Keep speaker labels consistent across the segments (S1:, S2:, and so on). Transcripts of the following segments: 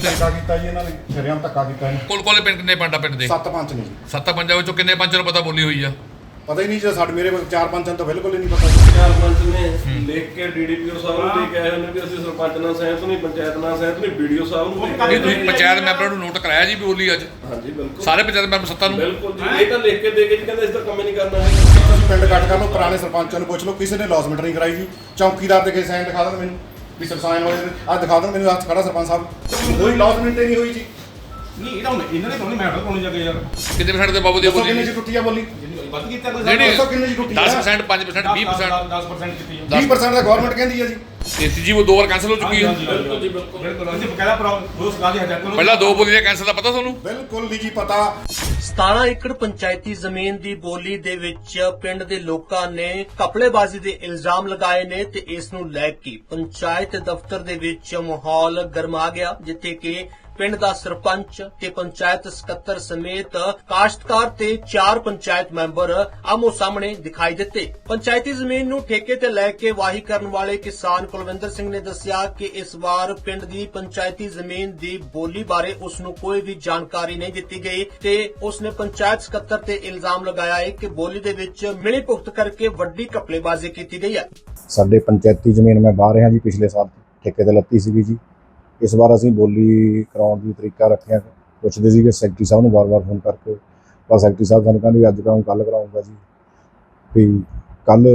S1: ਉੱਥੇ
S2: ਧੱਕਾ ਕੀਤਾ ਜੀ ਇਹਨਾਂ ਨੇ, ਸ਼ਰੇਆਮ ਧੱਕਾ ਕੀਤਾ ਇਹਨੇ।
S1: ਕੋਲੇ ਪਿੰਡ ਕਿੰਨੇ ਪਿੰਡ ਦੇ?
S2: 7 ਪੰਚ ਨੇ ਜੀ।
S1: 7 ਪੰਜਾਂ ਵਿੱਚੋਂ ਕਿੰਨੇ ਪੰਚਾਂ ਨੂੰ ਪਤਾ ਬੋਲੀ ਹੋਈ ਆ?
S2: ਪਤਾ ਹੀ ਨਹੀਂ ਜੀ, ਸਾਡੇ ਮੇਰੇ 4 ਪੰਚਾਂ ਤਾਂ ਬਿਲਕੁਲ ਹੀ ਨਹੀਂ ਪਤਾ ਜੀ।
S3: 4 ਪੰਚ ਨੇ ਲਿਖ ਕੇ ਡੀਡੀਪੀਓ ਸਾਹਿਬ ਨੂੰ ਦੇ ਕੇ ਆਏ ਨੇ ਵੀ ਅਸੀਂ ਸਰਪੰਚ ਨਾਲ ਸਹਿਮਤ ਨਹੀਂ, ਪੰਚਾਇਤ ਨਾਲ ਸਹਿਮਤ ਨਹੀਂ, ਵੀਡੀਓ ਸਾਹਿਬ ਨੂੰ
S1: ਇਹ ਤੁਸੀਂ ਪੰਚਾਇਤ ਮੈਂਬਰਾਂ ਨੂੰ ਨੋਟ ਕਰਾਇਆ ਜੀ ਵੀ ਬੋਲੀ ਅੱਜ?
S3: ਹਾਂਜੀ ਬਿਲਕੁਲ,
S1: ਸਾਰੇ ਪੰਚਾਇਤ ਮੈਂਬਰ 7 ਨੂੰ?
S3: ਬਿਲਕੁਲ ਜੀ। ਇਹ ਤਾਂ ਲਿਖ ਕੇ ਦੇ ਕੇ ਜੀ ਕਹਿੰਦੇ ਇਸ ਤਾਂ ਕੰਮ ਹੀ ਨਹੀਂ ਕਰਨਾ ਹੈ।
S2: ਤੁਸੀਂ ਪਿੰਡ ਕੱਟ ਕਰ ਲਓ, ਪੁਰਾਣੇ ਸਰਪੰਚਾਂ ਨੂੰ ਪੁੱਛ ਲਓ, ਕਿਸੇ ਨੇ ਲੌਸਮੈਂਟ ਨਹੀਂ ਕਰਾਈ ਜੀ। ਚੌਕੀਦਾਰ ਦੇ ਕੇ ਸਾਈਨ ਦਿਖਾ ਦੇਣ ਮੈਨੂੰ ਵੀ ਸਰਸਾਈਨ ਹੋਏ, ਆਹ ਦਿਖਾ ਦੇਣ ਮੈਨੂੰ, ਹੱਥ ਖੜਾ ਸਰਪੰਚ ਸਾਹਿਬ, ਕੋਈ ਲੌਸਮੈਂਟ ਹੀ ਨਹੀਂ ਹੋਈ ਜੀ।
S4: ਨਹੀਂ ਇਹਦਾ ਇਹਨਾਂ ਨੇ ਤੁਹਾਨੂੰ ਮੈਟਰ ਪਾਉਣੀ ਜਾ ਕੇ ਯਾਰ
S1: ਕਿੰਨੇ % ਦੇ ਬਾਬੂ ਦੀ
S2: ਦੱਸੋ
S1: ਬੋਲੀ?
S2: ਕਿੰਨੇ ਚ ਟੁੱਟੀ ਆ ਬੋਲੀ?
S4: ਵੱਧ ਕੀਤਾ ਕੋਈ
S1: ਨਹੀਂ,
S2: ਦੱਸੋ ਕਿੰਨੇ ਚ ਟੁੱਟੀ ਆ?
S1: 10%, 5%, 20%?
S4: 10% ਕੀਤੀ
S2: 20% ਦਾ ਗਵਰਨਮੈਂਟ ਕਹਿੰਦੀ ਆ ਜੀ।
S1: ਤੇ ਤੀਜੀ ਉਹ 2 ਵਾਰ ਕੈਂਸਲ ਹੋ ਚੁੱਕੀ ਆ।
S3: ਬਿਲਕੁਲ ਜੀ ਬਿਲਕੁਲ।
S4: ਬਿਲਕੁਲ ਅਸੀਂ ਬਕਾਇਦਾ ਰੋਸ ਗਾ ਦੀ ਹਜ਼ਾਰ ਕਰੋ।
S1: ਪਹਿਲਾਂ 2 ਬੋਲੀ ਦਾ ਕੈਂਸਲ ਦਾ ਪਤਾ ਤੁਹਾਨੂੰ?
S2: ਬਿਲਕੁਲ ਨਹੀਂ ਜੀ ਪਤਾ।
S5: 17 ਏਕੜ ਪੰਚਾਇਤੀ ਜ਼ਮੀਨ ਦੀ ਬੋਲੀ ਦੇ ਵਿੱਚ ਪਿੰਡ ਦੇ ਲੋਕਾਂ ਨੇ ਘਪਲੇਬਾਜ਼ੀ ਦੇ ਇਲਜ਼ਾਮ ਲਗਾਏ ਨੇ ਤੇ ਇਸ ਨੂੰ ਲੈ ਕੇ ਪੰਚਾਇਤ ਦਫ਼ਤਰ ਦੇ ਵਿੱਚ ਮਾਹੌਲ ਗਰਮਾ ਗਿਆ, ਜਿੱਥੇ ਕਿ ਪਿੰਡ ਦਾ ਸਰਪੰਚ ਤੇ ਪੰਚਾਇਤ ਸਕੱਤਰ ਸਮੇਤ ਕਾਸ਼ਤਕਾਰ ਤੇ 4 ਪੰਚਾਇਤ ਮੈਂਬਰ ਆਮੋ ਸਾਹਮਣੇ ਦਿਖਾਈ ਦਿੱਤੇ। ਪੰਚਾਇਤੀ ਜ਼ਮੀਨ ਨੂੰ ਠੇਕੇ ਤੇ ਲੈ ਕੇ ਵਾਹੀ ਕਰਨ ਵਾਲੇ ਕਿਸਾਨ ਕੁਲਵਿੰਦਰ ਸਿੰਘ ਨੇ ਦੱਸਿਆ ਕਿ ਇਸ ਵਾਰ ਪਿੰਡ ਦੀ ਪੰਚਾਇਤੀ ਜ਼ਮੀਨ ਦੀ ਬੋਲੀ ਬਾਰੇ ਉਸ ਨੂੰ ਕੋਈ ਵੀ ਜਾਣਕਾਰੀ ਨਹੀਂ ਦਿੱਤੀ ਗਈ ਤੇ ਉਸ ਨੇ ਪੰਚਾਇਤ ਸਕੱਤਰ ਤੇ ਇਲਜ਼ਾਮ ਲਗਾਇਆ ਹੈ ਕਿ ਬੋਲੀ ਦੇ ਵਿੱਚ ਮਿਲੀ ਭੁਗਤ ਕਰਕੇ ਵੱਡੀ ਘਪਲੇਬਾਜ਼ੀ ਕੀਤੀ ਗਈ ਹੈ।
S6: ਸਾਡੇ ਪੰਚਾਇਤੀ ਜ਼ਮੀਨ ਮੈਂ ਬਾਹਰ ਰਿਹਾ ਜੀ, ਪਿਛਲੇ ਸਾਲ ਠੇਕੇ ਤੇ ਲੱਤੀ ਸੀਗੀ ਜੀ। ਇਸ ਵਾਰ ਅਸੀਂ ਬੋਲੀ ਕਰਾਉਣ ਦੀ ਤਰੀਕਾ ਰੱਖਿਆ, ਪੁੱਛਦੇ ਸੀਗੇ ਸੈਕਟਰੀ ਸਾਹਿਬ ਨੂੰ ਵਾਰ-ਵਾਰ ਫੋਨ ਕਰਕੇ, ਪਰ ਸੈਕਟਰੀ ਸਾਹਿਬ ਸਾਨੂੰ ਕਹਿੰਦੇ ਵੀ ਅੱਜ ਕਰਾਉਂ ਕੱਲ੍ਹ ਕਰਾਉਂਗਾ ਜੀ। ਵੀ ਕੱਲ੍ਹ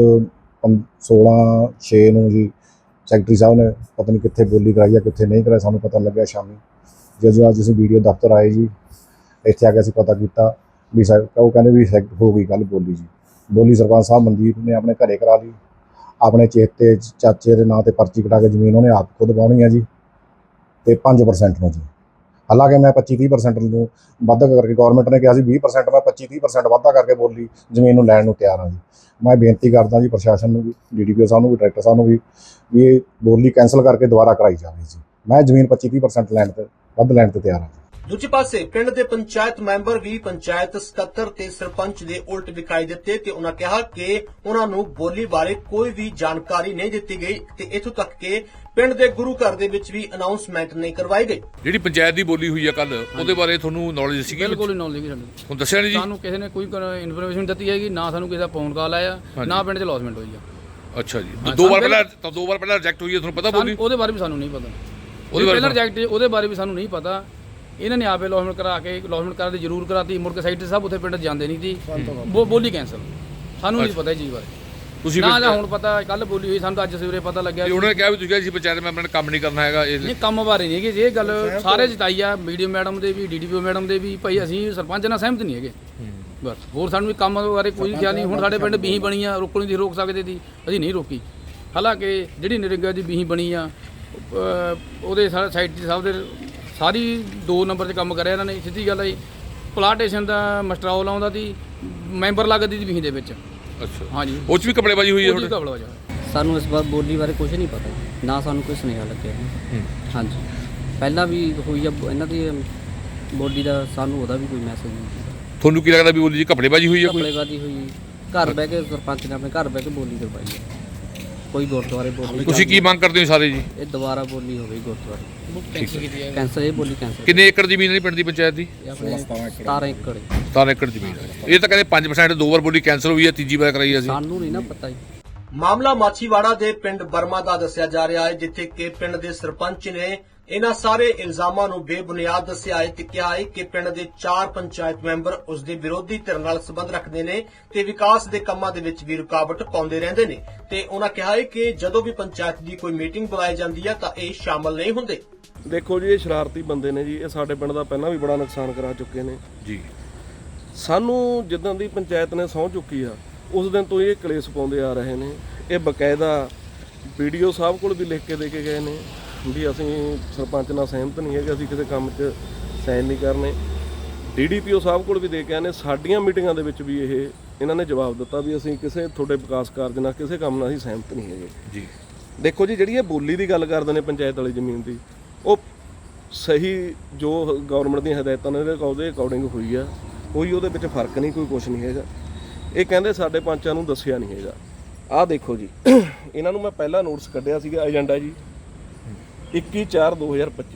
S6: 16/6 ਨੂੰ ਜੀ ਸੈਕਟਰੀ ਸਾਹਿਬ ਨੇ ਪਤਾ ਨਹੀਂ ਕਿੱਥੇ ਬੋਲੀ ਕਰਾਈ ਆ, ਕਿੱਥੇ ਨਹੀਂ ਕਰਾਈ, ਸਾਨੂੰ ਪਤਾ ਲੱਗਿਆ ਸ਼ਾਮੀ। ਜਦੋਂ ਅੱਜ ਅਸੀਂ ਵੀਡੀਓ ਦਫ਼ਤਰ ਆਏ ਜੀ, ਇੱਥੇ ਆ ਕੇ ਅਸੀਂ ਪਤਾ ਕੀਤਾ ਵੀ ਉਹ ਕਹਿੰਦੇ ਵੀ ਹੋ ਗਈ ਕੱਲ੍ਹ ਬੋਲੀ ਜੀ। ਬੋਲੀ ਸਰਪੰਚ ਸਾਹਿਬ ਮਨਦੀਪ ਨੇ ਆਪਣੇ ਘਰੇ ਕਰਾ ਲਈ, ਆਪਣੇ ਚੇਤੇ ਚਾਚੇ ਦੇ ਨਾਂ ਤੇ ਪਰਚੀ ਕਟਾ ਕੇ ਜ਼ਮੀਨ ਉਹਨੇ ਆਪ ਖੁਦ ਪਾਉਣੀ ਆ ਜੀ, ਤੇ 5% ਨੂੰ ਜੀ। ਹਾਲਾਂਕਿ ਮੈਂ 25-30% ਨੂੰ ਵਾਧਾ ਕਰਕੇ, ਗਵਰਨਮੈਂਟ ਨੇ ਕਿਹਾ ਸੀ 20%, ਮੈਂ 25-30% ਵਾਧਾ ਕਰਕੇ ਬੋਲੀ ਜ਼ਮੀਨ ਨੂੰ ਲੈਣ ਨੂੰ ਤਿਆਰ ਹਾਂ ਜੀ। ਮੈਂ ਬੇਨਤੀ ਕਰਦਾ ਜੀ ਪ੍ਰਸ਼ਾਸਨ ਨੂੰ ਵੀ, ਡੀਡੀਪੀਓ ਸਾਹਿਬ ਨੂੰ ਵੀ, ਡਾਇਰੈਕਟਰ ਸਾਹਿਬ ਨੂੰ ਵੀ ਇਹ ਬੋਲੀ ਕੈਂਸਲ ਕਰਕੇ ਦੁਬਾਰਾ ਕਰਾਈ ਜਾਵੇ ਜੀ। ਮੈਂ ਜ਼ਮੀਨ 25-30% ਲੈਣ ਤੇ ਵੱਧ ਲੈਣ ਤੇ ਤਿਆਰ ਹਾਂ।
S5: ਦੂਜੇ ਪਾਸੇ ਪਿੰਡ ਦੇ ਪੰਚਾਇਤ ਮੈਂਬਰ ਵੀ ਪੰਚਾਇਤ ਸਕੱਤਰ ਤੇ ਸਰਪੰਚ ਦੇ ਉਲਟ ਵਿਖਾਈ ਦਿੱਤੇ ਤੇ ਉਹਨਾਂ ਕਿਹਾ ਕਿ ਉਹਨਾਂ ਨੂੰ ਬੋਲੀ ਬਾਰੇ ਕੋਈ ਵੀ ਜਾਣਕਾਰੀ ਨਹੀਂ ਦਿੱਤੀ ਗਈ ਤੇ ਇੱਥੋਂ ਤੱਕ ਕਿ ਪਿੰਡ ਦੇ ਗੁਰੂ ਘਰ ਦੇ ਵਿੱਚ ਵੀ ਅਨਾਉਂਸਮੈਂਟ ਨਹੀਂ ਕਰਵਾਈ ਗਈ।
S1: ਜਿਹੜੀ ਪੰਚਾਇਤ ਦੀ ਬੋਲੀ ਹੋਈ ਆ ਕੱਲ, ਉਹਦੇ ਬਾਰੇ ਤੁਹਾਨੂੰ ਨੌਲੇਜ ਸੀਗੀ?
S7: ਬਿਲਕੁਲ ਨੌਲੇਜ ਨਹੀਂ ਸਾਨੂੰ।
S1: ਹੁਣ ਦੱਸਿਆ ਨਹੀਂ ਜੀ?
S7: ਸਾਨੂੰ ਕਿਸੇ ਨੇ ਕੋਈ ਇਨਫੋਰਮੇਸ਼ਨ ਦਿੱਤੀ ਹੈਗੀ, ਨਾ ਸਾਨੂੰ ਕਿਸੇ ਦਾ ਫੋਨ ਕਾਲ ਆਇਆ, ਨਾ ਪਿੰਡ 'ਚ ਲੌਸਮੈਂਟ ਹੋਈ ਆ।
S1: ਅੱਛਾ ਜੀ। 2 ਵਾਰ ਪਹਿਲਾਂ ਰਿਜੈਕਟ ਹੋਈ ਹੈ, ਤੁਹਾਨੂੰ ਪਤਾ ਬੋਲੀ?
S7: ਉਹਦੇ ਬਾਰੇ ਵੀ ਸਾਨੂੰ ਨਹੀਂ ਪਤਾ। ਪਹਿਲਾਂ ਰਿਜੈਕਟ, ਉਹਦੇ ਬਾਰੇ ਵੀ ਸਾਨੂੰ ਨਹੀਂ ਪਤਾ। ਇਹਨਾਂ ਨੇ ਆਪੇ ਲੌਸਮੈਂਟ ਕਰਾ ਕੇ, ਲੌਸਮੈਂਟ ਕਰਾ ਦੀ ਜ਼ਰੂਰ ਕਰਾਤੀ, ਮੁੜ ਕੇ ਸਾਈਡ ਤੇ ਸਭ ਉੱਥੇ ਪਿੰਡ ਜਾਂਦੇ ਨਹੀਂ ਸੀ, ਬੋਲੀ ਕੈਂਸਲ। ਸਾਨੂੰ ਨਹੀਂ ਪਤਾ ਇਹ ਚੀਜ਼ ਬਾਰੇ। ਤੁਸੀਂ ਨਾ ਹੁਣ ਪਤਾ, ਕੱਲ ਬੋਲੀ ਹੋਈ, ਸਾਨੂੰ ਤਾਂ ਅੱਜ ਸਵੇਰੇ ਪਤਾ ਲੱਗਿਆ।
S1: ਉਹਨਾਂ ਨੇ ਕਿਹਾ ਵੀ ਤੁਸੀਂ ਅਸੀਂ ਪੰਚਾਇਤ ਮੈਂਬਰਾਂ ਨੇ ਕੰਮ ਨਹੀਂ ਕਰਨਾ ਹੈਗਾ।
S7: ਨਹੀਂ, ਕੰਮ ਬਾਰੇ ਨਹੀਂ ਹੈਗੇ, ਇਹ ਗੱਲ ਸਾਰੇ ਜਿਤਾਈ ਆ, ਵੀਡੀਓ ਮੈਡਮ ਦੇ ਵੀ, ਡੀਡੀਪੀਓ ਮੈਡਮ ਦੇ ਵੀ, ਭਾਈ ਅਸੀਂ ਸਰਪੰਚ ਨਾਲ ਸਹਿਮਤ ਨਹੀਂ ਹੈਗੇ ਬਸ। ਹੋਰ ਸਾਨੂੰ ਕੰਮ ਬਾਰੇ ਕੋਈ ਖਿਆਲ ਨਹੀਂ। ਹੁਣ ਸਾਡੇ ਪਿੰਡ ਬੀਹੀ ਬਣੀ ਆ, ਰੋਕਣੀ ਦੀ ਰੋਕ ਸਕਦੇ ਸੀ, ਅਸੀਂ ਨਹੀਂ ਰੋਕੀ। ਹਾਲਾਂਕਿ ਜਿਹੜੀ ਨਰੇਗਾ ਦੀ ਬੀਹੀ ਬਣੀ ਆ, ਉਹਦੇ ਸਾਰੇ ਸਾਈਡ ਸਾਹਿਬ ਦੇ ਸਾਰੀ 2 ਨੰਬਰ 'ਚ ਕੰਮ ਕਰਿਆ ਇਹਨਾਂ ਨੇ। ਸਿੱਧੀ ਗੱਲ ਹੈ ਜੀ, ਪਲਾਟੇਸ਼ਨ ਦਾ ਮਸਟਰੋਲ ਆਉਂਦਾ ਸੀ, ਮੈਂਬਰ ਲੱਗਦੀ ਸੀ ਬੀਹੀ ਦੇ ਵਿੱਚ।
S1: ਅੱਛਾ,
S7: ਹਾਂਜੀ,
S1: ਉਹ 'ਚ ਵੀ ਕਪੜੇਬਾਜ਼ੀ ਹੋਈ ਹੈ?
S8: ਸਾਨੂੰ ਇਸ ਵਾਰ ਬੋਲੀ ਬਾਰੇ ਕੁਝ ਨਹੀਂ ਪਤਾ, ਨਾ ਸਾਨੂੰ ਕੋਈ ਸੁਨੇਹਾ ਲੱਗਿਆ। ਹਾਂਜੀ, ਪਹਿਲਾਂ ਵੀ ਹੋਈ ਆ ਇਹਨਾਂ ਦੀ ਬੋਲੀ ਦਾ, ਸਾਨੂੰ ਉਹਦਾ ਵੀ ਕੋਈ ਮੈਸੇਜ ਨਹੀਂ।
S1: ਤੁਹਾਨੂੰ ਕੀ ਲੱਗਦਾ ਵੀ ਬੋਲੀ 'ਚ ਕਪੜੇਬਾਜ਼ੀ ਹੋਈ ਹੈ?
S8: ਕਪੜੇਬਾਜ਼ੀ ਹੋਈ, ਘਰ ਬਹਿ ਕੇ ਸਰਪੰਚ ਨੇ ਆਪਣੇ ਘਰ ਬਹਿ ਕੇ ਬੋਲੀ ਕਰਵਾਈ ਹੈ। ਕੋਈ ਗੁਰਦੁਆਰੇ ਬੋਲੀ।
S1: ਤੁਸੀਂ ਕੀ ਮੰਗ ਕਰਦੇ ਹੋ ਸਾਰੇ ਜੀ?
S8: ਇਹ ਦੁਬਾਰਾ ਬੋਲੀ ਹੋਵੇ ਗੁਰਦੁਆਰੇ, ਕੈਂਸਲ। ਇਹ ਬੋਲੀ ਕੈਂਸਲ।
S1: ਕਿੰਨੇ ਏਕੜ ਜ਼ਮੀਨ ਹੈ ਪਿੰਡ ਦੀ ਪੰਚਾਇਤ ਦੀ?
S8: 17 ਏਕੜ।
S1: 17 ਏਕੜ ਜ਼ਮੀਨ ਹੈ। ਇਹ ਤਾਂ ਕਹਿੰਦੇ 5% 2 ਵਾਰ ਬੋਲੀ ਕੈਂਸਲ ਹੋਈ ਹੈ, ਤੀਜੀ ਵਾਰ ਕਰਾਈ ਅਸੀਂ।
S8: ਸਾਨੂੰ ਨਹੀਂ ਨਾ ਪਤਾ ਜੀ।
S5: ਮਾਮਲਾ ਮਾਛੀਵਾੜਾ ਦੇ ਪਿੰਡ ਬਰਮਾ ਦਾ ਦੱਸਿਆ ਜਾ ਰਿਹਾ ਹੈ, ਜਿੱਥੇ ਕਿ ਪਿੰਡ ਦੇ ਸਰਪੰਚ ਨੇ ਇਹਨਾਂ ਸਾਰੇ ਇਲਜ਼ਾਮਾਂ ਨੂੰ ਬੇਬੁਨਿਆਦ ਦੱਸਿਆ ਹੈ ਤੇ ਕਿਹਾ ਹੈ ਕਿ ਪਿੰਡ ਦੇ 4 ਪੰਚਾਇਤ ਮੈਂਬਰ ਉਸ ਦੇ ਵਿਰੋਧੀ ਧਿਰ ਨਾਲ ਸੰਬੰਧ ਰੱਖਦੇ ਨੇ ਤੇ ਵਿਕਾਸ ਦੇ ਕੰਮਾਂ ਦੇ ਵਿੱਚ ਵੀ ਰੁਕਾਵਟ ਪਾਉਂਦੇ ਰਹਿੰਦੇ ਨੇ ਤੇ ਉਹਨਾਂ ਕਿਹਾ ਹੈ ਕਿ ਜਦੋਂ ਵੀ ਪੰਚਾਇਤ ਦੀ ਕੋਈ ਮੀਟਿੰਗ ਬੁਲਾਈ ਜਾਂਦੀ ਹੈ ਤਾਂ ਇਹ ਸ਼ਾਮਲ ਨਹੀਂ ਹੁੰਦੇ।
S3: ਦੇਖੋ ਜੀ, ਇਹ ਸ਼ਰਾਰਤੀ ਬੰਦੇ ਨੇ ਜੀ, ਇਹ ਸਾਡੇ ਪਿੰਡ ਦਾ ਪਹਿਲਾਂ ਵੀ ਬੜਾ ਨੁਕਸਾਨ ਕਰਾ ਚੁੱਕੇ ਨੇ
S1: ਜੀ।
S3: ਸਾਨੂੰ ਜਿੱਦਾਂ ਦੀ ਪੰਚਾਇਤ ਨੇ ਸਹੁੰ ਚੁੱਕੀ ਆ, ਉਸ ਦਿਨ ਤੋਂ ਇਹ ਕਲੇਸ਼ ਪਾਉਂਦੇ ਆ ਰਹੇ ਨੇ। ਇਹ ਬਕਾਇਦਾ ਵੀਡੀਓ ਸਾਹਿਬ ਕੋਲ ਵੀ ਲਿਖ ਕੇ ਦੇ ਕੇ ਗਏ ਨੇ ਵੀ ਅਸੀਂ ਸਰਪੰਚ ਨਾਲ ਸਹਿਮਤ ਨਹੀਂ ਹੈਗੇ, ਅਸੀਂ ਕਿਸੇ ਕੰਮ 'ਚ ਸਾਈਨ ਨਹੀਂ ਕਰਨੇ। ਡੀਡੀਪੀਓ ਸਾਹਿਬ ਕੋਲ ਵੀ ਦੇ ਕੇ ਆਏ ਨੇ। ਸਾਡੀਆਂ ਮੀਟਿੰਗਾਂ ਦੇ ਵਿੱਚ ਵੀ ਇਹਨਾਂ ਨੇ ਜਵਾਬ ਦਿੱਤਾ ਵੀ ਅਸੀਂ ਕਿਸੇ ਤੁਹਾਡੇ ਵਿਕਾਸ ਕਾਰਜ ਨਾਲ, ਕਿਸੇ ਕੰਮ ਨਾਲ ਅਸੀਂ ਸਹਿਮਤ ਨਹੀਂ ਹੈਗੇ
S1: ਜੀ।
S3: ਦੇਖੋ ਜੀ, ਜਿਹੜੀ ਇਹ ਬੋਲੀ ਦੀ ਗੱਲ ਕਰਦੇ ਨੇ ਪੰਚਾਇਤ ਵਾਲੀ ਜ਼ਮੀਨ ਦੀ, ਉਹ ਸਹੀ ਜੋ ਗਵਰਨਮੈਂਟ ਦੀਆਂ ਹਦਾਇਤਾਂ ਨੇ ਉਹਦੇ ਅਕੋਰਡਿੰਗ ਹੋਈ ਆ, ਕੋਈ ਉਹਦੇ ਵਿੱਚ ਫਰਕ ਨਹੀਂ, ਕੋਈ ਕੁਛ ਨਹੀਂ ਹੈਗਾ। ਇਹ ਕਹਿੰਦੇ ਸਾਡੇ ਪੰਚਾਂ ਨੂੰ ਦੱਸਿਆ ਨਹੀਂ ਹੈਗਾ। ਆਹ ਦੇਖੋ ਜੀ, ਇਹਨਾਂ ਨੂੰ ਮੈਂ ਪਹਿਲਾਂ ਨੋਟਿਸ ਕੱਢਿਆ ਸੀਗਾ ਏਜੰਡਾ ਜੀ 21/4/2025 ਨੂੰ।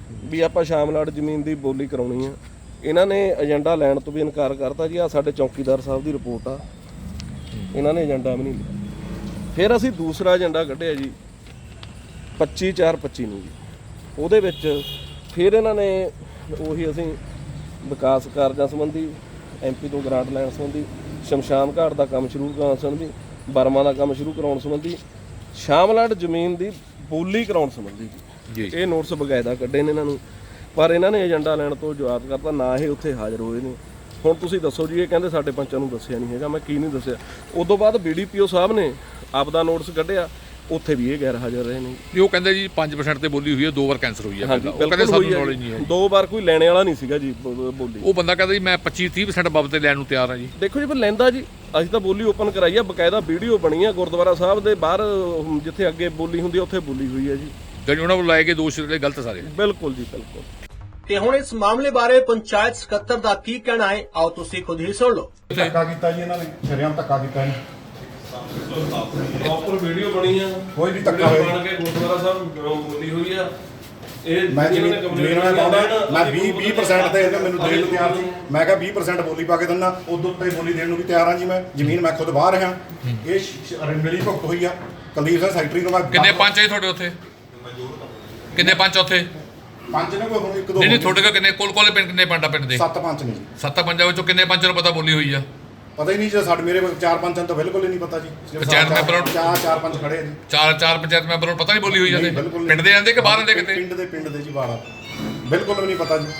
S3: ਵੀ ਆਪਾਂ ਸ਼ਾਮਲਾਟ ਜ਼ਮੀਨ ਦੀ ਬੋਲੀ ਕਰਾਉਣੀ ਆ। ਇਹਨਾਂ ਨੇ ਏਜੰਡਾ ਲੈਣ ਤੋਂ ਵੀ ਇਨਕਾਰ ਕਰਤਾ ਜੀ। ਆ ਸਾਡੇ ਚੌਕੀਦਾਰ ਸਾਹਿਬ ਦੀ ਰਿਪੋਰਟ ਆ, ਇਹਨਾਂ ਨੇ ਏਜੰਡਾ ਵੀ ਨਹੀਂ ਲਿਆ। ਫਿਰ ਅਸੀਂ ਦੂਸਰਾ ਏਜੰਡਾ ਕੱਢਿਆ ਜੀ 25/4/25 ਨੂੰ ਜੀ। ਉਹਦੇ ਵਿੱਚ ਫਿਰ ਇਹਨਾਂ ਨੇ ਉਹੀ ਅਸੀਂ ਵਿਕਾਸ ਕਾਰਜਾਂ ਸੰਬੰਧੀ MP ਤੋਂ ਗ੍ਰਾਂਟ ਲੈਣ ਸੰਬੰਧੀ, ਸ਼ਮਸ਼ਾਨ ਘਾਟ ਦਾ ਕੰਮ ਸ਼ੁਰੂ ਕਰਾਉਣ ਸੰਬੰਧੀ, ਬਰਮਾ ਦਾ ਕੰਮ ਸ਼ੁਰੂ ਕਰਾਉਣ ਸੰਬੰਧੀ, ਸ਼ਾਮਲਾਟ ਜ਼ਮੀਨ ਦੀ ਬੋਲੀ ਕਰਾਉਣ ਸੰਬੰਧੀ ਜੀ ਇਹ ਨੋਟਿਸ ਬਕਾਇਦਾ ਕੱਢੇ ਨੇ ਇਹਨਾਂ ਨੂੰ। ਪਰ ਇਹਨਾਂ ਨੇ ਏਜੰਡਾ ਲੈਣ ਤੋਂ ਜਵਾਬ ਕਰਤਾ, ਨਾ ਇਹ ਉੱਥੇ ਹਾਜ਼ਰ ਹੋਏ ਨੇ। ਹੁਣ ਤੁਸੀਂ ਦੱਸੋ ਜੀ, ਇਹ ਕਹਿੰਦੇ ਸਾਡੇ ਪੰਚਾਂ ਨੂੰ ਦੱਸਿਆ ਨਹੀਂ ਹੈਗਾ। ਮੈਂ ਕੀ ਨਹੀਂ ਦੱਸਿਆ? ਉਦੋਂ ਬਾਅਦ BDPO ਸਾਹਿਬ ਨੇ ਆਪਦਾ ਨੋਟਿਸ ਕੱਢਿਆ, ਉੱਥੇ ਵੀ ਇਹ ਗੈਰ ਹਾਜ਼ਰ ਰਹੇ ਨੇ
S1: ਜੀ। ਉਹ ਕਹਿੰਦੇ ਜੀ 5% ਤੇ ਬੋਲੀ ਹੋਈ ਹੈ, 2 ਵਾਰ ਕੈਂਸਲ ਹੋਈ ਹੈ।
S3: ਹਾਂਜੀ,
S1: ਉਹ ਕਹਿੰਦੇ ਸਾਨੂੰ ਨੌਲੇਜ ਨਹੀਂ ਹੈ।
S3: 2 ਵਾਰ ਕੋਈ ਲੈਣੇ ਵਾਲਾ ਨਹੀਂ ਸੀਗਾ ਜੀ ਬੋਲੀ।
S1: ਉਹ ਬੰਦਾ ਕਹਿੰਦਾ ਜੀ ਮੈਂ 25-30% ਬਾਬਤ ਤੇ ਲੈਣ ਨੂੰ ਤਿਆਰ ਹਾਂ ਜੀ।
S3: ਦੇਖੋ ਜੀ, ਫਿਰ ਲੈਂਦਾ ਜੀ। ਅਸੀਂ ਤਾਂ ਬੋਲੀ ਓਪਨ ਕਰਾਈ ਆ, ਬਕਾਇਦਾ ਵੀਡੀਓ ਬਣੀ ਆ ਗੁਰਦੁਆਰਾ ਸਾਹਿਬ ਦੇ ਬਾਹਰ, ਜਿੱਥੇ ਅੱਗੇ ਬੋਲੀ ਹੁੰਦੀ ਆ ਉੱਥੇ ਬੋਲੀ ਹੋਈ ਹੈ ਜੀ।
S1: ਜਿਹੜੀ ਉਹਨਾਂ ਨੂੰ ਲਾਏ ਗਏ ਦੋਸ਼ ਜਿਹੜੇ ਗਲਤ ਸਾਰੇ।
S3: ਬਿਲਕੁਲ ਜੀ, ਬਿਲਕੁਲ।
S5: ਤੇ ਹੁਣ ਇਸ ਮਾਮਲੇ ਬਾਰੇ ਪੰਚਾਇਤ ਸਕੱਤਰ ਦਾ ਕੀ ਕਹਿਣਾ ਹੈ, ਆਓ ਤੁਸੀਂ ਖੁਦ ਹੀ ਸੁਣ ਲਓ।
S2: ਧੱਕਾ ਕੀਤਾ ਜੀ ਇਹਨਾਂ ਨੇ, ਸ਼ਰੇਆਮ ਧੱਕਾ ਕੀਤਾ ਇਹਨੇ।
S3: ਪ੍ਰੋਪਰ ਵੀਡੀਓ ਬਣੀ ਆ,
S2: ਕੋਈ ਵੀ ਧੱਕਾ ਹੋਇਆ
S3: ਬਣ ਕੇ ਗੁਰਦੁਆਰਾ ਸਾਹਿਬ ਬੋਲੀ ਹੋਈ ਆ। ਇਹ
S2: ਮੈਂ ਜ਼ਮੀਨ ਵਾਲਾ ਪਾਉਂਦਾ, ਮੈਂ 20% ਤੇ ਇਹਨੇ ਮੈਨੂੰ ਦੇਣ ਨੂੰ ਤਿਆਰ ਸੀ। ਮੈਂ ਕਿਹਾ 20% ਬੋਲੀ ਪਾ ਕੇ ਦਿੰਦਾ, ਉਦੋਂ ਉੱਤੇ ਬੋਲੀ ਦੇਣ ਨੂੰ ਵੀ ਤਿਆਰ ਹਾਂ ਜੀ। ਮੈਂ ਜ਼ਮੀਨ ਮੈਂ ਖੁਦ ਬਾਹਰ ਰਿਹਾ। ਇਹ ਮਿਲੀ ਭੁਗਤ ਹੋਈ ਆ ਕੁਲਦੀਪ ਸਿੰਘ ਸੈਕਟਰੀ ਨੂੰ। ਮੈਂ
S1: ਕਿੰਨੇ ਪੰਚ ਹੈ ਤੁਹਾਡੇ ਉੱਥੇ? ਕਿੰਨੇ ਪੰਚ ਉੱਥੇ?
S2: ਪੰਜ ਨੇ ਕੋਈ ਹੁਣ 1-2
S1: ਨਹੀਂ ਤੁਹਾਡੇ ਕੋਲ ਕਿੰਨੇ ਕੋਲ ਪਿੰਡ ਕਿੰਨੇ ਪੰਡਾ ਪਿੰਡ ਦੇ?
S2: 7 ਪੰਚ ਨੇ ਜੀ।
S1: 7 ਪੰਜਾਂ ਵਿੱਚੋਂ ਕਿੰਨੇ ਪੰਚਾਂ ਨੂੰ ਪਤਾ ਬੋਲੀ ਹੋਈ ਆ?
S2: ਪਤਾ ਹੀ ਨਹੀਂ ਜੀ। ਸਾਡੇ ਮੇਰੇ 4 ਪੰਚਾਂ ਤਾਂ ਬਿਲਕੁਲ ਹੀ ਨਹੀਂ ਪਤਾ ਜੀ।
S1: ਪੰਚਾਇਤ ਮੈਂਬਰਾਂ ਨੂੰ
S2: 4 ਪੰਚ ਖੜੇ ਆ ਜੀ।
S1: 4 ਪੰਚਾਇਤ ਮੈਂਬਰਾਂ ਨੂੰ ਪਤਾ ਨਹੀਂ ਬੋਲੀ ਹੋਈ ਜਾਂਦੇ?
S2: ਬਿਲਕੁਲ
S1: ਪਿੰਡ ਦੇ ਜਾਂਦੇ ਕਿ ਬਾਹਰ ਜਾਂਦੇ ਕਿਤੇ?
S2: ਪਿੰਡ ਦੇ ਜੀ ਬਾਹਰ ਬਿਲਕੁਲ ਵੀ ਨਹੀਂ ਪਤਾ ਜੀ।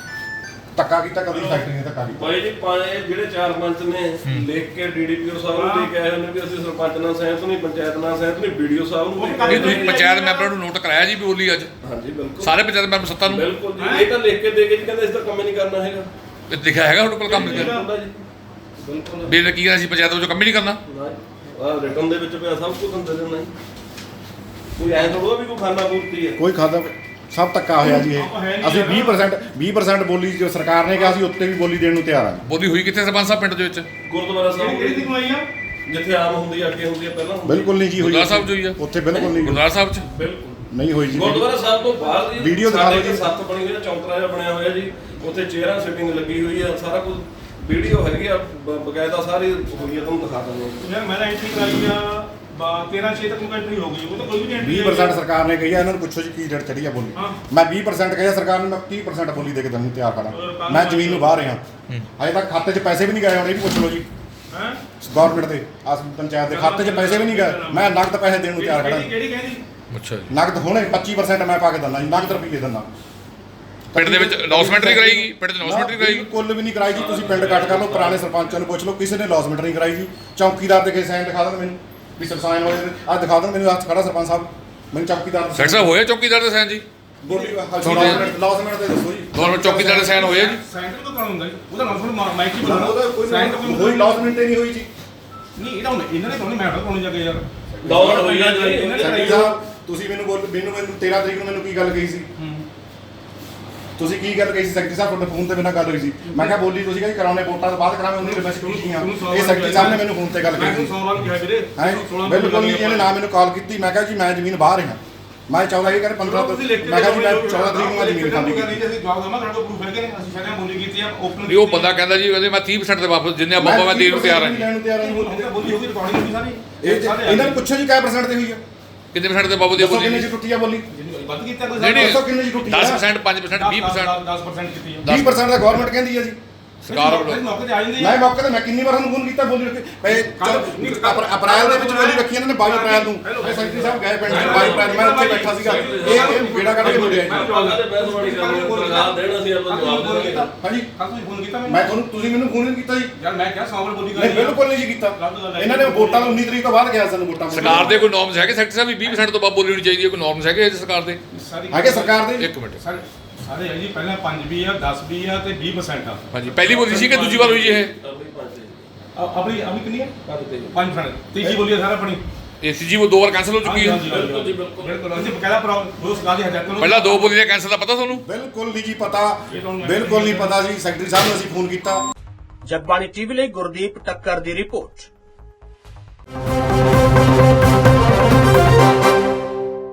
S2: ਧੱਕਾ ਕੀਤਾ ਕਦੀ ਫੈਕਟਰੀ ਨੇ ਧੱਕਾ ਕੀਤਾ।
S3: ਭਾਈ ਜੀ, ਜਿਹੜੇ 4 ਪੰਚ ਨੇ ਲਿਖ ਕੇ DDPO ਸਾਹਿਬ ਨੂੰ ਦੇ ਕੇ ਆਏ ਨੇ ਵੀ ਅਸੀਂ ਸਰਪੰਚ ਨਾਲ ਸਹਿਮਤ ਨਹੀਂ, ਪੰਚਾਇਤ ਨਾਲ ਸਹਿਮਤ ਨਹੀਂ, BDO ਸਾਹਿਬ ਨੂੰ
S1: ਇਹ ਤੁਸੀਂ ਪੰਚਾਇਤ ਮੈਂਬਰਾਂ ਨੂੰ ਨੋਟ ਕਰਾਇਆ ਜੀ ਵੀ ਬੋਲੀ ਅੱਜ?
S3: ਹਾਂਜੀ, ਬਿਲਕੁਲ।
S1: ਸਾਰੇ ਪੰਚਾਇਤ ਮੈਂਬਰ 7 ਨੂੰ
S3: ਬਿਲਕੁਲ ਜੀ। ਇਹ ਤਾਂ ਲਿਖ ਕੇ ਦੇ ਕੇ ਜੀ ਕਹਿੰਦੇ ਇਸ ਤਾਂ ਕੰਮ ਹੀ ਨਹੀਂ ਕਰਨਾ ਹੈਗਾ।
S1: ਇਹ ਲਿਖਿਆ ਹੈਗਾ ਤੁਹਾਡੇ ਕੋਲ ਕੰਮ ਨਹੀਂ ਕਰਨਾ?
S3: ਹੁੰਦਾ ਜੀ, ਬਿਲਕੁਲ।
S1: ਵੀ ਇਹਨੇ ਕੀ ਕਹਿਣਾ ਸੀ ਪੰਚਾਇਤ ਵਿੱਚੋਂ ਕੰਮ ਹੀ ਨਹੀਂ ਕਰਨਾ?
S3: ਆਹ ਰਿਟਰਨ ਦੇ ਵਿੱਚ ਪਿਆ ਸਭ ਕੁਝ ਅੰਦਰ ਦੇਣਾ ਜੀ। ਕੋਈ ਐਂ ਥੋੜਾ ਵੀ ਕੋਈ ਖਾਨਾ ਪੂਰਤੀ ਹੈ।
S2: ਕੋਈ ਖਾਦਾ ਸਭ ਧੱਕਾ ਹੋਇਆ ਜੀ ਇਹ। ਅਸੀਂ 20% ਬੋਲੀ ਜੋ ਸਰਕਾਰ ਨੇ ਕਿਹਾ ਸੀ ਉੱਤੇ ਵੀ ਬੋਲੀ ਦੇਣ ਨੂੰ ਤਿਆਰ ਆ।
S1: ਬੋਲੀ ਹੋਈ ਕਿੱਥੇ ਸਰਪੰਚ ਸਾਹਿਬ ਪਿੰਡ ਦੇ ਵਿੱਚ?
S3: ਗੁਰਦੁਆਰਾ ਸਾਹਿਬ
S4: ਕਿਹੜੀ ਦੀ ਕਮਾਈ ਆ?
S3: ਜਿੱਥੇ ਆਮ ਹੁੰਦੀ ਆ, ਅੱਗੇ ਹੁੰਦੀ ਆ, ਪਹਿਲਾਂ ਹੁੰਦੀ ਆ।
S2: ਬਿਲਕੁਲ ਨਹੀਂ ਜੀ ਹੋਈ।
S1: ਗੁਰਦੁਆਰਾ ਸਾਹਿਬ 'ਚ ਹੋਈ ਆ?
S2: ਉੱਥੇ ਬਿਲਕੁਲ ਨਹੀਂ
S1: ਗੁਰਦੁਆਰਾ ਸਾਹਿਬ 'ਚ
S3: ਬਿਲਕੁਲ
S2: ਨਹੀਂ ਹੋਈ ਜੀ।
S3: ਗੁਰਦੁਆਰਾ ਸਾਹਿਬ ਤੋਂ ਬਾਹਰ ਜੀ
S2: ਵੀਡੀਓ ਦਿਖਾ ਦਿਓ ਜੀ।
S3: 7 ਬਣੀ ਹੋਈ ਆ, ਚੌਂਤਰਾ ਜਿਹਾ ਬਣਿਆ ਹੋਇਆ ਜੀ। ਉੱਥੇ ਚੇਅਰਾਂ ਸਿਟਿੰਗ ਲੱਗੀ ਹੋਈ ਆ, ਸਾਰਾ ਕੁਝ ਵੀਡੀਓ ਹੈਗੀ ਆ, ਬਕਾਇਦਾ ਸਾਰੀ ਹੋਈ ਆ। ਤੁਹਾਨੂੰ ਦਿਖਾ ਦਿੰਦੇ
S4: ਯਾਰ ਮੈਂ ਤਾਂ ਐਂਟਰੀ ਕਰਾਈ ਆ 13/6 ਤੱਕ ਐਂਟਰੀ ਹੋ ਗਈ। ਉਹ ਤਾਂ ਕੋਈ ਵੀ ਨਹੀਂ
S2: 20% ਸਰਕਾਰ ਨੇ ਕਹੀ ਆ। ਇਹਨਾਂ ਨੂੰ ਪੁੱਛੋ ਜੀ ਕੀ ਰੇਟ ਚੜੀ ਆ ਬੋਲੀ। ਮੈਂ 20% ਕਹੀ ਆ ਸਰਕਾਰ ਨੂੰ, ਮੈਂ 30% ਬੋਲੀ ਦੇ ਕੇ ਤੁਹਾਨੂੰ ਤਿਆਰ ਖੜਾ। ਮੈਂ ਜ਼ਮੀਨ ਨੂੰ ਬਾਹਰ ਰਿਹਾ। ਅਜੇ ਤੱਕ ਖਾਤੇ 'ਚ ਪੈਸੇ ਵੀ ਨਹੀਂ ਗਏ। ਹੁਣ ਇਹ ਵੀ ਪੁੱਛ ਲਓ ਜੀ ਗਵਰਨਮੈਂਟ ਦੇ, ਪੰਚਾਇਤ ਦੇ ਖਾਤੇ 'ਚ ਪੈਸੇ ਵੀ ਨਹੀਂ ਗਏ। ਮੈਂ ਨਗਦ ਪੈਸੇ ਦੇਣ ਨੂੰ ਤਿਆਰ ਖੜਾ।
S4: ਕਿਹੜੀ ਕਹਿੰਦੀ?
S1: ਅੱਛਾ ਜੀ।
S2: ਨਗਦ ਹੁਣੇ 25% ਮੈਂ ਪਾ ਕੇ ਦਿੰਦਾ ਜੀ। ਨਗਦ ਰੁਪਈਏ ਦਿੰਦਾ।
S1: ਪਿੰਡ ਦੇ ਵਿੱਚ ਅਨਾਉਂਸਮੈਂਟ ਨਹੀਂ ਕਰਾਈਗੀ? ਪਿੰਡ ਦੇ ਅਨਾਉਂਸਮੈਂਟ ਨਹੀਂ ਕਰਾਈਗੀ?
S2: ਬਿਲਕੁਲ ਵੀ ਨਹੀਂ ਕਰਾਈ ਜੀ। ਤੁਸੀਂ ਪਿੰਡ ਕੱਟ ਕਰ ਲਓ, ਪੁਰਾਣੇ ਸਰਪੰਚਾਂ ਨੂੰ ਪੁੱਛ ਲਓ, ਕਿਸੇ ਨੇ ਅਨਾਉਂਸਮੈਂਟ ਨਹੀਂ ਕਰਾਈ ਜੀ। ਚੌਕੀਦਾਰ ਦੇ ਕੇ ਸਾਈਨ ਦਿਖਾ ਦੇਣ ਮੈਨੂੰ ਵੀ ਸਾਈਨ ਹੋਏ ਨੇ। ਆਹ ਦਿਖਾ ਦੇਣ ਮੈਨੂੰ, ਆਹ ਖੜਾ ਸਰਪੰਚ ਸਾਹਿਬ, ਮੈਨੂੰ ਚੌਕੀਦਾਰ
S1: ਸੈਕਟਰ ਸਾਹਿਬ ਹੋਇਆ ਚੌਕੀਦਾਰ ਦੇ ਸਾਈਨ ਜੀ?
S2: ਬੋਲੀ ਅਨਾਉਂਸਮੈਂਟ ਦੇ ਦੱਸੋ ਜੀ।
S1: ਗਵਰਨਮੈਂਟ ਚੌਕੀਦਾਰ ਦੇ ਸਾਈਨ ਹੋਏ ਜੀ?
S4: ਸੈਂਟਰ ਤੋਂ ਕਰਾਉਣਾ ਹੁੰਦਾ ਜੀ। ਉਹਦਾ ਨਾਮ ਮਾਈਕ ਹੀ
S2: ਉਹਦਾ ਕੋਈ ਅਨਾਉਂਸਮੈਂਟ ਹੀ ਨਹੀਂ ਹੋਈ ਜੀ।
S4: ਨਹੀਂ ਇਹਦਾ ਇਹਨਾਂ ਨੇ ਕਰਾਉਣੀ, ਮੈਂ ਤਾਂ ਕਰਾਉਣੀ ਜਾ ਕੇ ਯਾਰ।
S3: ਦੌੜ ਹੋਈ ਆ ਜੀ।
S2: ਸੈਕਟਰੀ ਸਾਹਿਬ ਤੁਸੀਂ ਮੈਨੂੰ 13 ਤਰੀਕ ਨੂੰ ਮੈਨੂੰ ਕੀ ਗੱਲ ਕਹੀ ਸੀ? ਤੁਸੀਂ ਕੀ ਗੱਲ ਕਹੀ ਸੀ ਸੈਕਟਰੀ ਸਾਹਿਬ? ਤੁਹਾਡੇ ਫੋਨ ਤੇ ਮੇਰੇ ਨਾਲ ਗੱਲ ਹੋਈ ਸੀ। ਮੈਂ ਕਿਹਾ ਬੋਲੀ ਤੁਸੀਂ ਕਹਿੰਦੇ ਕਰਾਉਣੇ ਵੋਟਾਂ ਤੋਂ ਬਾਅਦ ਕਰਾਵੇਂ, ਉਹਨੇ ਰਿਕਵੈਸਟ ਕੀਤੀ ਆ। ਇਹ ਸੈਕਟਰੀ ਸਾਹਿਬ ਨੇ ਮੈਨੂੰ ਫੋਨ ਤੇ ਗੱਲ
S4: ਮੈਂ
S2: ਕਹੀ ਸੀ।
S4: 100 ਵਾਰ ਕਿਹਾ ਵੀਰੇ।
S2: ਬਿਲਕੁਲ ਨਹੀਂ। ਇਹਨੇ ਨਾ ਮੈਨੂੰ ਕਾਲ ਕੀਤੀ। ਮੈਂ ਕਿਹਾ ਜੀ ਮੈਂ ਜ਼ਮੀਨ ਬਾਹਰ ਹਾਂ। ਮੈਂ 14 ਇਹ ਕਹਿੰਦੇ 15 ਤੋਂ ਮੈਂ ਕਿਹਾ ਜੀ ਮੈਂ 14 ਤਰੀਕ ਨੂੰ ਮੈਂ ਜ਼ਮੀਨ ਖਾਲੀ ਕੀਤੀ।
S4: ਅਸੀਂ ਜਵਾਬ ਦਵਾਂ, ਤੁਹਾਡੇ ਕੋਲ ਪ੍ਰੂਫ ਹੈਗੇ ਨੇ। ਅਸੀਂ ਸ਼ਾਇਦ ਬੋਲੀ ਕੀਤੀ ਆ ਓਪਨ।
S1: ਵੀ ਉਹ ਬੰਦਾ ਕਹਿੰਦਾ ਜੀ ਕਹਿੰਦੇ ਮੈਂ 30% ਦੇ ਵਾਪਸ ਜਿੰਨੇ ਬਾਬਾ ਮੈਂ ਦੇਣ ਨੂੰ ਤਿਆਰ ਹਾਂ ਜੀ।
S2: ਲੈਣ ਨੂੰ ਤਿਆਰ ਹਾਂ।
S4: ਬੋਲੀ ਹੋ ਗਈ, ਰਿਕਾਰਡਿੰਗ ਹੋਈ ਸਾਰੀ।
S2: ਇਹਨਾਂ ਨੂੰ ਪੁੱਛੋ ਜੀ ਕਿੰਨੇ % ਤੇ ਹੋਈ ਆ?
S1: ਕਿੰਨੇ % ਦੇ ਬਾਬੂ ਦੀ
S2: ਦੱਸੋ
S1: ਬੋਲੀ?
S2: ਕਿੰਨੇ ਚ ਟੁੱਟੀ ਆ ਬੋਲੀ?
S4: ਵੱਧ ਕੀਤਾ ਕੋਈ?
S1: ਨਹੀਂ
S2: ਦੱਸੋ ਕਿੰਨੇ ਚ ਟੁੱਟੀ ਆ?
S1: 10%, 5%, 20%।
S4: 10% ਕੀਤੀ ਆ।
S2: 20% ਦਾ ਗਵਰਨਮੈਂਟ ਕਹਿੰਦੀ ਆ ਜੀ।
S1: ਸਰਕਾਰ ਵੱਲੋਂ
S4: ਮੌਕੇ ਤੇ ਆ ਜਾਂਦੀ
S2: ਮੈਂ ਮੌਕੇ ਤੇ ਮੈਂ ਕਿੰਨੀ ਵਾਰ ਤੁਹਾਨੂੰ ਫੋਨ ਕੀਤਾ ਬੋਲੀ ਰੱਖੀ ਅਪ੍ਰੈਲ ਦੇ ਵਿੱਚ ਬੋਲੀ ਰੱਖੀ ਇਹਨਾਂ ਨੇ 22 ਅਪ੍ਰੈਲ ਨੂੰ। ਇਹ ਸੈਕਟਰੀ ਸਾਹਿਬ ਗਏ ਪਿੰਡ 22 ਅਪ੍ਰੈਲ ਮੈਂ ਉੱਥੇ ਬੈਠਾ ਸੀਗਾ। ਇਹ ਬੇੜਾ ਕੱਢ ਕੇ ਮੁੜਿਆ ਜੀ। ਹਾਂਜੀ
S4: ਤੁਸੀਂ ਫੋਨ ਕੀਤਾ ਮੈਨੂੰ?
S2: ਮੈਂ ਤੁਹਾਨੂੰ ਤੁਸੀਂ ਮੈਨੂੰ ਫੋਨ ਨਹੀਂ ਕੀਤਾ ਜੀ।
S4: ਯਾਰ ਮੈਂ ਕਿਹਾ 100 ਵਾਰ ਬੋਲੀ
S2: ਨਹੀਂ ਬਿਲਕੁਲ ਨਹੀਂ ਜੀ ਕੀਤਾ। ਇਹਨਾਂ ਨੇ ਵੋਟਾਂ ਨੂੰ 19 ਤਰੀਕ ਤੋਂ ਬਾਅਦ ਕਿਹਾ ਸਾਨੂੰ ਵੋਟਾਂ
S1: ਸਰਕਾਰ ਦੇ ਕੋਈ ਨੋਰਮਸ ਹੈਗੇ ਸੈਕਟਰ ਸਾਹਿਬ ਵੀ 20% ਤੋਂ ਬਾਅਦ ਬੋਲੀ ਹੋਣੀ ਚਾਹੀਦੀ ਹੈ? ਕੋਈ ਨੋਰਮਸ ਹੈਗੇ ਸਰਕਾਰ ਦੇ?
S2: ਹੈਗੇ ਸਰਕਾਰ ਦੇ?
S1: ਇੱਕ ਮਿੰਟ
S4: ਸਾਰੇ ਹੈ ਜੀ। ਪਹਿਲਾਂ 5 ਵੀ ਆ, 10 ਵੀ ਆ ਤੇ 20% ਆ।
S1: ਹਾਂਜੀ। ਪਹਿਲੀ ਬੋਲੀ ਸੀ ਕਿ ਦੂਜੀ ਵਾਰ ਹੋਈ ਜੀ ਇਹ?
S4: ਆਪਣੀ ਕਿੰਨੀ ਹੈ? 5%। ਤੀਜੀ ਬੋਲੀ ਆ ਸਾਰਾ ਆਪਣੀ।
S1: ACG ਉਹ 2 ਵਾਰ ਕੈਂਸਲ ਹੋ ਚੁੱਕੀ ਹੈ।
S4: ਬਿਲਕੁਲ ਜੀ, ਬਿਲਕੁਲ। ਅਸੀਂ ਬਕਾਇਦਾ ਰੋਜ਼ ਗਾਦੀ ਹਜ਼ਾਰ ਕਰੋ।
S1: ਪਹਿਲਾਂ 2 ਬੋਲੀ ਦਾ ਕੈਂਸਲ ਦਾ ਪਤਾ ਤੁਹਾਨੂੰ?
S2: ਬਿਲਕੁਲ ਨਹੀਂ ਜੀ ਪਤਾ। ਬਿਲਕੁਲ ਨਹੀਂ ਪਤਾ ਜੀ। ਸੈਕਟਰੀ ਸਾਹਿਬ ਨੂੰ ਅਸੀਂ ਫੋਨ ਕੀਤਾ।
S5: ਜਗਬਾਣੀ ਟੀਵੀ ਲਈ ਗੁਰਦੀਪ ਟੱਕਰ ਦੀ ਰਿਪੋਰਟ।